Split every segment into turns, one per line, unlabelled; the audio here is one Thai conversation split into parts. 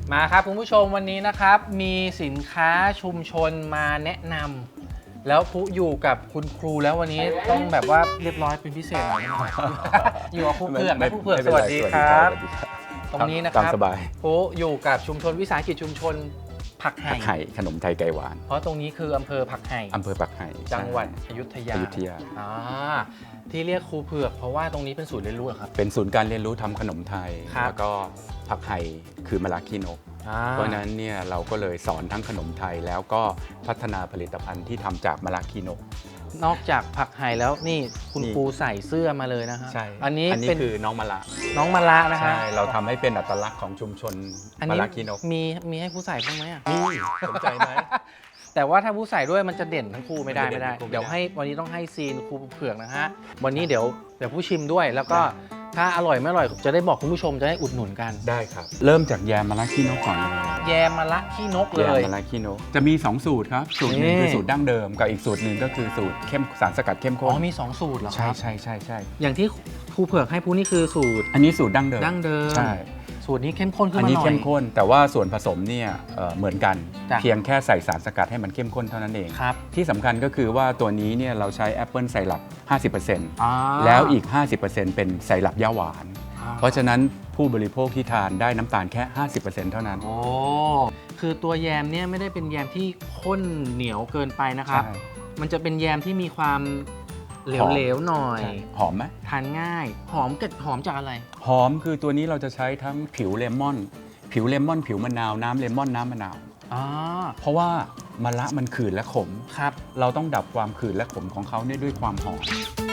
มาครับคุณผู้ชมวันนี้นะครับมีสินค้าชุมชนมาแนะนำแล้วผู้อยู่กับคุณครูแล้ววันนี้ต้องแบบว่าเรียบร้อยเป็นพิเศษหน่อย อยู่กับครูเผือกนะครูเผือกสวัสดีครับตรงนี้นะครับผู้อยู่กับชุมชนวิสาหกิจชุมชนผักไห่
ขนมไทยไก่หวาน
เพราะตรงนี้คืออำเภอผักไห่จังหวัดอยุธยาที่เรียกครูเผือกเพราะว่าตรงนี้เป็นศูนย์เรียนรู้ครับ
เป็นศูนย์การเรียนรู้ทำขนมไทยแล้วก็ผักไห่คือมะระขี้นกเพราะนั้นเนี่ยเราก็เลยสอนทั้งขนมไทยแล้วก็พัฒนาผลิตภัณฑ์ที่ทำจากมะระขี้นก
นอกจากผักไห่แล้วนี่คุณครูใส่เสื้อมาเลยนะฮะ
ใช่อันนี้คือน้องมะระ
นะฮะ
ใช่เราทำให้เป็นอัตลักษณ์ของชุมชนมะระขี้นก
มีให้ผู้ใส่บ้างไหม
มีสนใจไหม
แต่ว่าถ้าผู้ใส่ด้วยมันจะเด่นทั้งคู่ไม่ได้เดี๋ยวให้วันนี้ต้องให้ซีนครูเผือกนะฮะวันนี้เดี๋ยวผู้ชิมด้วยแล้วก็ถ้าอร่อยไม่อร่อยจะได้บอกคุณผู้ชมจะได้อุดหนุนกัน
ได้ครับเริ่มจากแยมมะระขี้นกก่อนเลย
แยมมะระขี้นกเลย
แยมมะระขี้นกจะมี2สูตรครับสูตรหนึ่งคือสูตรดั้งเดิมกับอีกสูตรหนึ่งก็คือสูตรสารสกัดเข้มข้น
มี2สูตรเหรอ
ครับใช่
อย่างที่ครูเผือกให้ผู้นี่คือสูตร
อันนี้สูตรดั้งเดิม
ใช่สูตรนี้เข้มข้นขึ้นมาหน่อย
อันนี้เข้มข้นแต่ว่าส่วนผสมเนี่ยเหมือนกันเพียงแค่ใส่สารสกัดให้มันเข้มข้นเท่านั้นเองที่สำคัญก็คือว่าตัวนี้เนี่ยเราใช้แอปเปิลไซรัป 50% แล้วอีก 50% เป็นไซรัปย่าหวานเพราะฉะนั้นผู้บริโภคที่ทานได้น้ำตาลแค่ 50% เท่านั้น
คือตัวแยมเนี่ยไม่ได้เป็นแยมที่ข้นเหนียวเกินไปนะครับมันจะเป็นแยมที่มีความเหลวๆหน่อย
หอมไหม
ทานง่ายหอมจากอะไร
หอมคือตัวนี้เราจะใช้ทั้งผิวเลมอนผิวมะนาวน้ำเลมอนน้ำมะนาวเพราะว่ามะระมันขื่นและขม
ครับ
เราต้องดับความขื่นและขมของเขาด้วยความหอม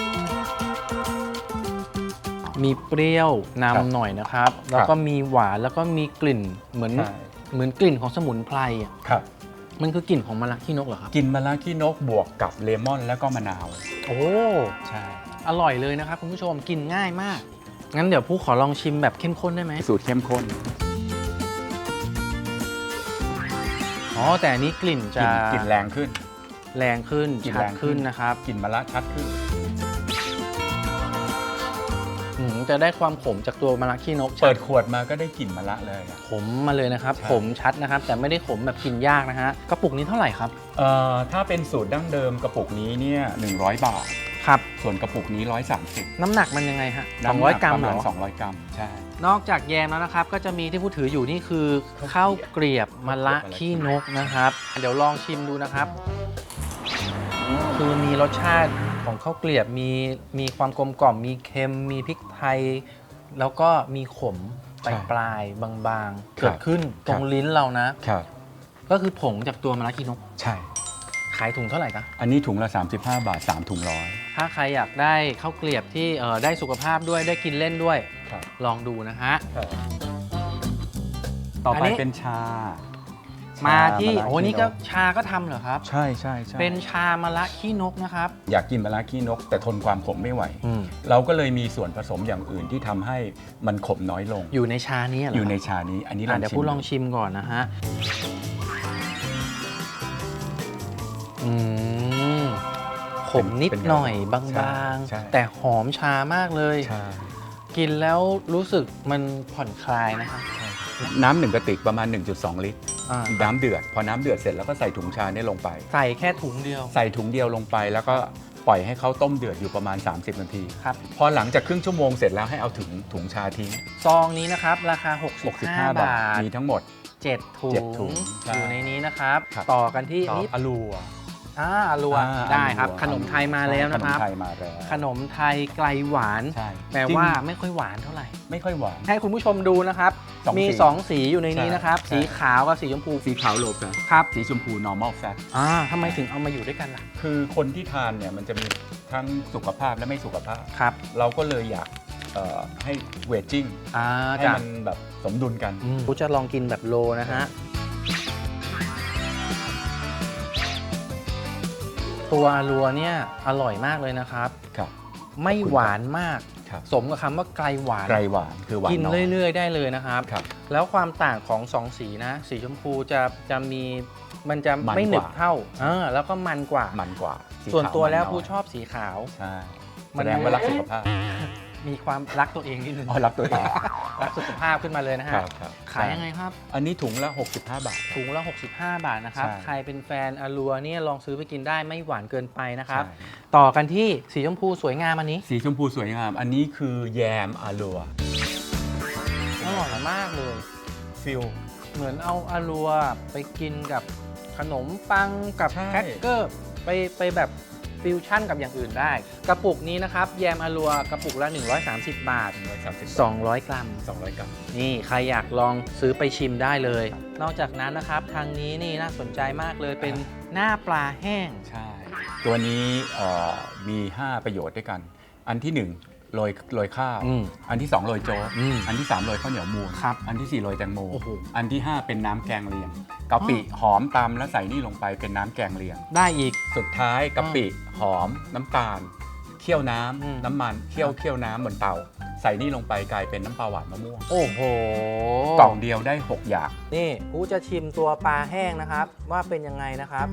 มีเปรี้ยวนำหน่อยนะครับแล้วก็มีหวานแล้วก็มีกลิ่นเหมือนกลิ่นของสมุนไพร
ครับ
มันคือกลิ่นของมะระขี้นกเหรอครับ
กลิ่นมะระขี้นกบวกกับเลมอนแล้วก็มะนาวใช่
อร่อยเลยนะครับคุณผู้ชมกินง่ายมากงั้นเดี๋ยวผู้ขอลองชิมแบบเข้มข้นได้ไหม
สูตรเข้มข้น
แต่อันนี้กลิ่นจะ
กลิ่นแรงขึ้น
ชัดขึ้นนะครับ
กลิ่นมะระชัดขึ้น
จะได้ความขมจากตัวมะระขี้นก
เปิดขวดมาก็ได้กลิ่นมะระเลย
ขมมาเลยนะครับขมชัดนะครับแต่ไม่ได้ขมแบบกินยากนะฮะกระปุกนี้เท่าไหร่ครับ
ถ้าเป็นสูตรดั้งเดิมกระปุกนี้เนี่ย100 บาท
ครับ
ส่วนกระปุกนี้130
น้ำหนักมันยังไงฮะ200 กรัม
เหรอ200 กรัมใช่
นอกจากแยมแล้วนะครับก็จะมีที่ผู้ถืออยู่นี่คือข้าวเกลียบมะระขี้นกนะครับเดี๋ยวลองชิมดูนะครับคือมีรสชาติของข้าวเกลียบมีความกลมกล่อมมีเค็มมีพริกไทยแล้วก็มีขมปลายบางๆเกิดขึ้นตรงลิ้นเรานะก็คือผงจากตัวมะระขี้นก
ใช่
ขายถุงเท่าไหร่ครับ
อันนี้ถุงละ35 บาท3ถุง100
ถ้าใครอยากได้ข้าวเกลียบที่ได้สุขภาพด้วยได้กินเล่นด้วยลองดูนะฮะ
ต่อไปเป็นชา
มาที่นี่ก็ชาก็ทำเหรอครับ
ใช่
เป็นชามะระขี้นกนะครับ
อยากกินมะระขี้นกแต่ทนความขมไม่ไหวเราก็เลยมีส่วนผสมอย่างอื่นที่ทำให้มันขมน้อยลง
อยู่ในชานี้เหรอ
อยู่ในชานี้อันนี้
เดี๋ยวพูดลองชิมก่อนนะฮะขมนิดหน่อยบางๆแต่หอมชามากเลยกินแล้วรู้สึกมันผ่อนคลายนะครับ
น้ำ1 กระติกประมาณ 1.2 ลิตรน้ำเดือดพอน้ำเดือดเสร็จแล้วก็ใส่ถุงชาเนี่ยลงไป
ใส่แค่ถุงเดียว
ใส่ถุงเดียวลงไปแล้วก็ปล่อยให้เขาต้มเดือดอยู่ประมาณ30 นาที
ครับ
พอหลังจากครึ่งชั่วโมงเสร็จแล้วให้เอาถุงชาทิ้ง
ซองนี้นะครับราคา65 บาท
มีทั้งหมด
7 ถุงอยู่ในนี้นะครับต่อกันที่นี้
อลัว
ได้ครับขนมไทยมาแล้วนะครับขนมไทยไกลหวานแปลว่าไม่ค่อยหวานเท่าไหร่
ไม่ค่อยหวาน
ให้คุณผู้ชมดูนะครับมี2สีอยู่ในนี้นะครับสีขาวกับสีชมพู
สีขาวโลแฟต
ครับ
สีชมพู normal fat
ทำไมถึงเอามาอยู่ด้วยกันล่ะ
คือคนที่ทานเนี่ยมันจะมีทั้งสุขภาพและไม่สุขภาพ
ครับ
เราก็เลยอยากให้เวจจิ้งให้มันแบบสมดุลกัน
กูจะลองกินแบบโลนะฮะตัวอารัวเนี่ยอร่อยมากเลยนะครับไม่หวานมากสมกับคำว่าไกลหวาน
คือหวาน
กินเรื่อยๆได้เลยนะครับแล้วความต่างของ2สีนะสีชมพูจะมีมันจะไม่หนึบเท่าแล้วก็มันกว่า
ส่
วนตัวแล้วผู้ชอบสีขาว
แสดงว่ารักสุขภาพ
มีความรักตัวเองนิดนึง
รักตัวเอง
รักสุขภาพขึ้นมาเลยนะฮะ
ครับ
ขายยังไงครับ
อันนี้ถุงละ65 บาท
ถุงละ65 บาทนะครับ
ใช่
ใครเป็นแฟนอารัวเนี่ยลองซื้อไปกินได้ไม่หวานเกินไปนะครับ
ใช่
ต่อกันที่สีชมพูสวยงามอันนี้
สีชมพูสวยงาม อันนี้คือแยมอาลัว
อร่อยมากเลย
ฟิล
เหมือนเอาอารัวไปกินกับขนมปังกับ
ใช่
แครกเกอร์ไปแบบฟิวชั่นกับอย่างอื่นได้ กระปุกนี้นะครับแยมอารัวกระปุกละ 130 บาท 200 กรัม
200 กรัม
นี่ใครอยากลองซื้อไปชิมได้เลย นอกจากนั้นนะครับทางนี้นี่น่าสนใจมากเลยเป็นหน้าปลาแห้ง
ใช่ ตัวนี้มี 5 ประโยชน์ด้วยกัน อันที่ 1 โรยข้าว อันที่ 2 โรยโจ๊ก อันที่ 3 โรยข้าวเหนียวมูน
ครับ
อันที่ 4 โรยแตงโม
โอ้โห
อันที่ 5 เป็นน้ำแกงเลียงกะปิหอมตำแล้วใส่นี่ลงไปเป็นน้ำแกงเลียง
ได้อีก
สุดท้ายกะปิหอมน้ำตาลเคี่ยวน้ำ
อืม
น้ำมันเคี่ยวน้ำบนเตา ใส่นี่ลงไปกลายเป็นน้ำปลาหวานมะม่วง
โอ้โห
กล่องเดียวได้ 6 อย่าง
นี่กูจะชิมตัวปลาแห้งนะครับ ว่าเป็นยังไงนะครับ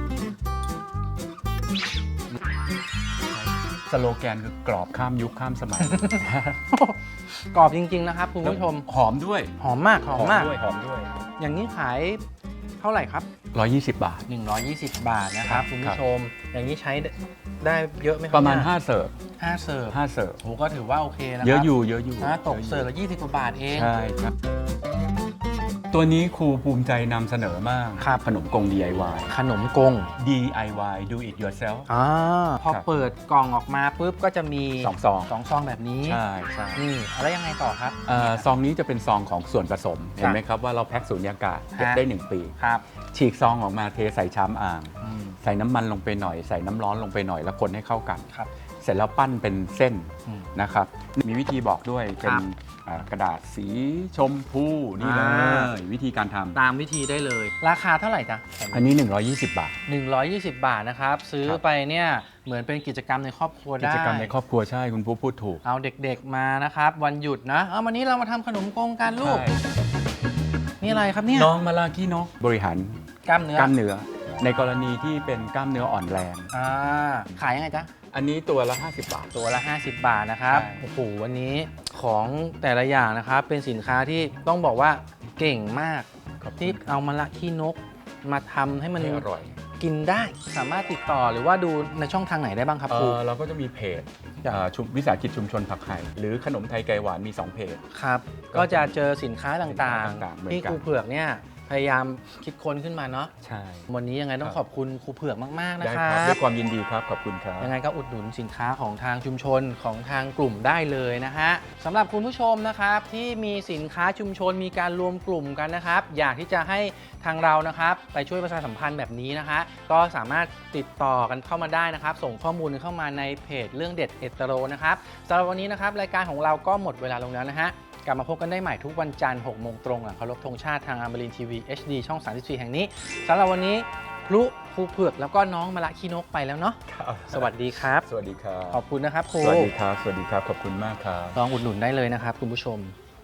สโลแกนคือกรอบข้ามยุคข้ามสมัย
กรอบจริง ๆ นะครับคุณผู้ชม
หอมด้วย
หอมมากหอมมาก
ด้วยหอมด้วย
อย่างนี้ขายเท่าไหร่ครับ
120 บาท
120 บาทนะครับ
ครับ
คุณผู้ชม อย่างนี้ใช้ได้เยอะไหมครั
ประมาณ
เนี่ย
5 เสิร์ฟ
5 เสิร์ฟ
5 เสิร์ฟ
โอ้ก็ถือว่าโอเคนะครั
เยอะอยู่เยอะอยู่
นะตกเสิร์ฟละ20 กว่าบาทเอง
ใช่ครับ ตัวนี้ครูภูมิใจนำเสนอมาก
ครับ
ขนมกง DIY
ขนมกง
DIY do it yourself
พอ
ครับ
เปิดกล่องออกมาปุ๊บก็จะมี
2 ซอง
2 ซองแบบนี้
ใช่ใช่
นี่แล้วยังไงต่อครับ
ซองนี้จะเป็นซองของส่วนผสม เห็นไหมครับว่าเราแพ็คสูญญากาศเก็บได้ 1 ปี
ครับ
ฉีกซองออกมาเทใส่ชามอ่าง
อืม
ใส่น้ำมันลงไปหน่อย ใส่น้ำร้อนลงไปหน่อยแล้วคนให้เข้ากัน
ครับ
เสร็จแล้วปั้นเป็นเส้น
อืม
นะครับ มีวิธีบอกด้วยเป็น
ครับ
กระดาษสีชมพูนี่เล
อ่า
ยวิธีการทำ
ตามวิธีได้เลย ราคาเท่าไหร่จ๊ะ
อันนี้ 120 บาท
120 บาทนะครับ ซื้อ
ครับ
ไปเนี่ยเหมือนเป็นกิจกรรมในครอบครัว
กิ
ได้
จกรรมในครอบครัวใช่คุณผู้พูดถูก
เอาเด็กๆมานะครับ วันหยุดนะเอาวันนี้เรามาทำขนมกงกันลูก
ใช่
นี่อะไรครับเนี่ย
น้องมาลากี้นกบริหาร
กล้ามเนื้อก
ล้ามเนื้อ ในกรณีที่เป็นกล้ามเนื้ออ่อนแรง
อ่าขายยังไงจ๊ะ
อันนี้ตัวละ 50 บาท
ตัวละ 50 บาทนะครับ
ใช่
โอ้โหวันนี้ของแต่ละอย่างนะครับ เป็นสินค้าที่ต้องบอกว่าเก่งมาก
ขอบคุณ
ที่เอามาละขี้นกมาทำให้มัน
ให้อร่อย
กินได้สามารถติดต่อหรือว่าดูในช่องทางไหนได้บ้างครับครู
เราก็จะมีเพจ
จ้ะ
วิสาหกิจชุมชนผักไห่หรือขนมไทยไก่หวานมี 2 เพจ
ครับ ก็จะเจอสินค้าต่าง
สินค้าต่างๆเหมือน
ๆ ที่
กัน
ครูเผือกเนี่ยพยายามคิดค้นขึ้นมาเนาะ
ใช่
วันนี้ยังไงต้อง
ครับ
ขอบคุณครูเผือกมากๆนะ
ได้
ค
ค
รั
รับ ด้วยความยินดีครับ ขอบคุณครับ
ยังไงก็อุดหนุนสินค้าของทางชุมชนของทางกลุ่มได้เลยนะฮะสำหรับคุณผู้ชมนะครับที่มีสินค้าชุมชนมีการรวมกลุ่มกันนะครับ อยากที่จะให้ทางเรานะครับไปช่วยประชาสัมพันธ์แบบนี้นะคะก็สามารถติดต่อกันเข้ามาได้นะครับ ส่งข้อมูลเข้ามาในเพจเรื่องเด็ดเอตโรนะครับสำหรับวันนี้นะครับรายการของเราก็หมดเวลาลงแล้วนะฮะกลับมาพบกันได้ใหม่ทุกวันจันทร์6 โมงตรงหลังเคารพธงชาติทางอมรินทร์ทีวี HD ช่อง 34 แห่งนี้สำหรับวันนี้พลุครูเผือกแล้วก็น้องมะละขี้นกไปแล้วเนาะสวัสดีครับ
สวัสดีครับ
ขอบคุณนะครับครู
สวัสดีครับ สวัสดีครับ ขอบคุณมากครับ
ลองอุดหนุนได้เลยนะครับคุณผู้ชม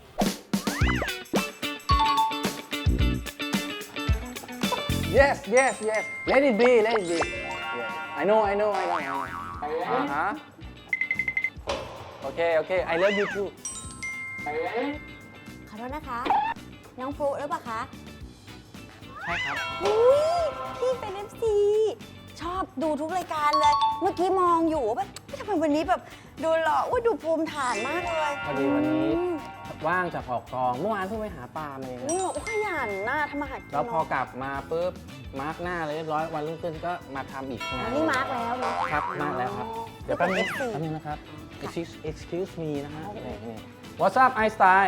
Yes yes yes let it be let it be yes I know Okay okay I love you too
ขอโทษนะคะ น้องฟลุหรือเปล่าคะ
ใช่ครับ
อุ้ยพี่เป็น FC ชอบดูทุกรายการเลย เมื่อกี้มองอยู่ว่าแบบทำไมวันนี้แบบดูหล่ออุ้ยดูภูมิฐานมากเลย
พอดีวันนี้
อืม
ว่างจากออกกองเมื่อวานเพิ่งไปหาปลามาเอง
นี่บอกว่าขยันน่าทำมาหากิน
แล้วพอ
เนาะ
กลับมาปุ๊บมาร์กหน้าเลยเรียบร้อยวันรุ่งขึ้นก็มาทำอีกงาน
นี่มาร์กแล้วเนาะ
ครับมาร์กแล้วครับ เดี๋ยวแป๊บนึงแป๊บนึงนะครับ excuse me นะฮะนี่ What's up Einstein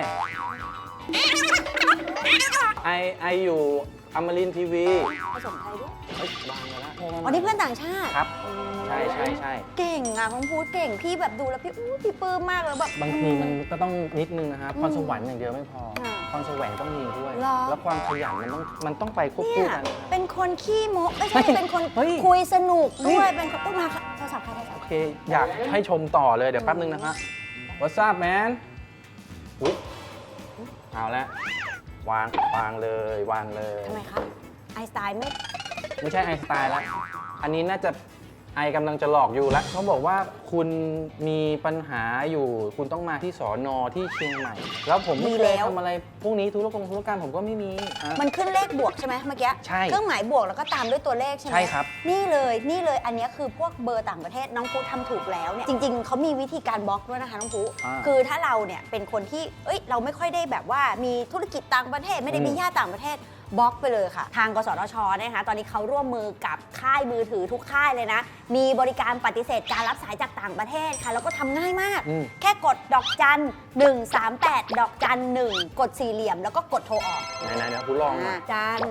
I อยู่อมรินทร์ทีวี
ผสมไทยด้วย
เฮ้ยวางไปแล้ว
อ๋อนี่เพื่อนต่างชาติ
ครับ ใช่ใช่ใช่
เก่งอ่ะของพูดเก่งพี่แบบดูแล้วพี่อู้พี่ปลื้มมากเลยแบบ
บางทีมันก็ต้องนิดนึงนะครับ
อืม
พรสวรรค์อย่างเดียวไม่พอ
ค่ะ
พรแสวงต้องมีด้วย
เหรอ
แล้วความขยันมันต้องไปควบ
เนี่
คู่
ย
กัน
เป็นคนขี้โม้ไม่ใช่
เฮ้ย
เป็นคน
เฮ้ย
คุยสนุก
เฮ้
ด้วย ยเป็นคนพูดมาค่ะโทรศัพท์ค่ะโทรศัพ
โอ
ท์
เค อยากให้ชมต่อเลยเดี๋ยวแป๊บนึงนะครับ What's up man อุ๊ยเอาละวางเลยวางเลย
ทำไมคะไอน์สไตน์ไม่
ไม่ใช่ไอน์สไตล์แล้ว อันนี้น่าจะไอกำลังจะหลอกอยู่แล้วเขาบอกว่าคุณมีปัญหาอยู่คุณต้องมาที่สอนอที่เชียงใหม่ แล้วผมไม่เคยทำอะไรพวกนี้ธุรการผมก็ไม่มีอ่ะ
มันขึ้นเลขบวกใช่ไหมเมื่อกี้
ใช่
เครื่องหมายบวกแล้วก็ตามด้วยตัวเลขใช่ไหม
ใช่ครับ
นี่เลยอันนี้คือพวกเบอร์ต่างประเทศน้องพุทำถูกแล้วเนี่ยจริงๆเขามีวิธีการบล็อกด้วยนะคะน้องพุคือถ้าเราเนี่ยเป็นคนที่เราไม่ค่อยได้แบบว่ามีธุรกิจต่างประเทศไม่ได้มีญาติต่างประเทศบล็อกไปเลยค่ะทางกสทชนะคะตอนนี้เขาร่วมมือกับค่ายมือถือทุกค่ายเลยนะมีบริการปฏิเสธการรับสายจากต่างประเทศค่ะแล้วก็ทำง่ายมากแค่กดดอกจัน138ดอกจัน1กดสี่เหลี่ยมแล้วก็กดโทรออก
ไหนเดี๋ยวคุณลองมา
จัน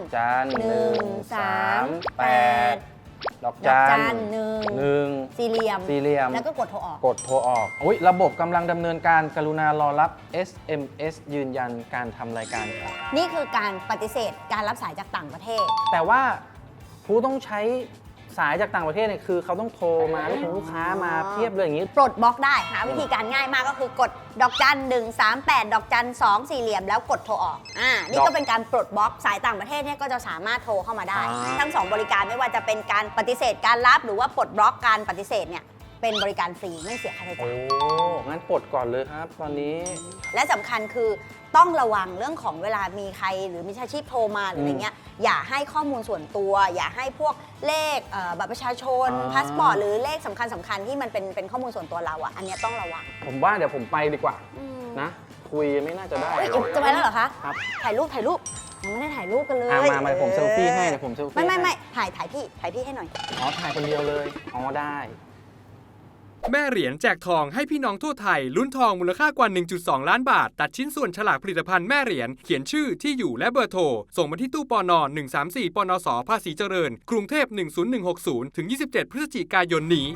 138ดอกจัน 1
สี่เหลี่ยม แล้วก็กดโทรออก
กดโทรออกอุ๊ยระบบกำลังดำเนินการกรุณารอรับ SMS ยืนยันการทำรายการครับ
นี่คือการปฏิเสธการรับสายจากต่างประเทศ
แต่ว่าผู้ต้องใช้สายจากต่างประเทศเนี่ยคือเขาต้องโทรมาลูกค้ามาเพียบเลยอย่างนี้
ปลดบล็อกได้หาวิธีการง่ายมากก็คือกดดอกจัน138ดอกจัน2สี่เหลี่ยมแล้วกดโทรออกนี่ก็เป็นการปลดบล็อกสายต่างประเทศเนี่ยก็จะสามารถโทรเข้ามาได้ ทั้ง2บริการไม่ว่าจะเป็นการปฏิเสธการรับหรือว่าปลดบล็อกการปฏิเสธเนี่ยเป็นบริการฟรีไม่เสียค่าใช้จ่าย
โอ้งั้นปลดก่อนเลยครับตอนนี้
และสำคัญคือต้องระวังเรื่องของเวลามีใครหรือมิจฉาชีพโทรมาหรืออะไรเงี้ยอย่าให้ข้อมูลส่วนตัว อย่าให้พวกเลขบัตรประชาชนพาสปอร์ตหรือเลขสำคัญที่มันเป็นข้อมูลส่วนตัวเราอันนี้ต้องระวัง
ผมว่าเดี๋ยวผมไปดีกว่านะคุยไม่น่าจะได้
จะไปแล้วเหรอคะ
ครับ
ถ่ายรูปยังไม่ได้ถ่ายรูปกันเลย
มาผมเซลฟี่ให้เดี๋ยวผมเซลฟี่
ไม่ถ่ายพี่ให้หน่อย
อ๋อถ่ายคนเดียวเลยอ๋อได้
แม่เหรียญแจกทองให้พี่น้องทั่วไทยลุ้นทองมูลค่ากว่า 1.2 ล้านบาทตัดชิ้นส่วนฉลากผลิตภัณฑ์แม่เหรียญเขียนชื่อที่อยู่และเบอร์โทรส่งมาที่ตู้ปน134ปนสภาษีเจริญกรุงเทพ10160ถึง27พฤศจิกายนนี้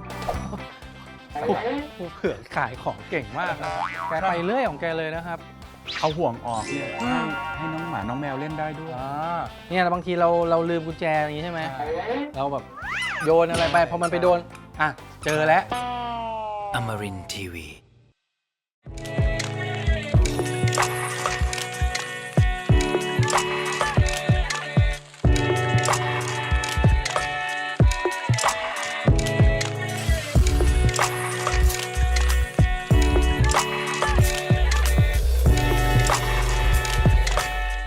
เผื่อขายของเก่งมากนะแกไปเรื่อยของแกเลยนะครับ
เอาห่วงออกเนี่ยให้น้องหมาน้องแมวเล่นได้ด้วย
เนี่ยบางทีเราลืมกุญแจอย่างนี้ใช่ไหมเราแบบโยนอะไรไปพอมันไปโดนเจอแล้ว
Amarin Tiwi.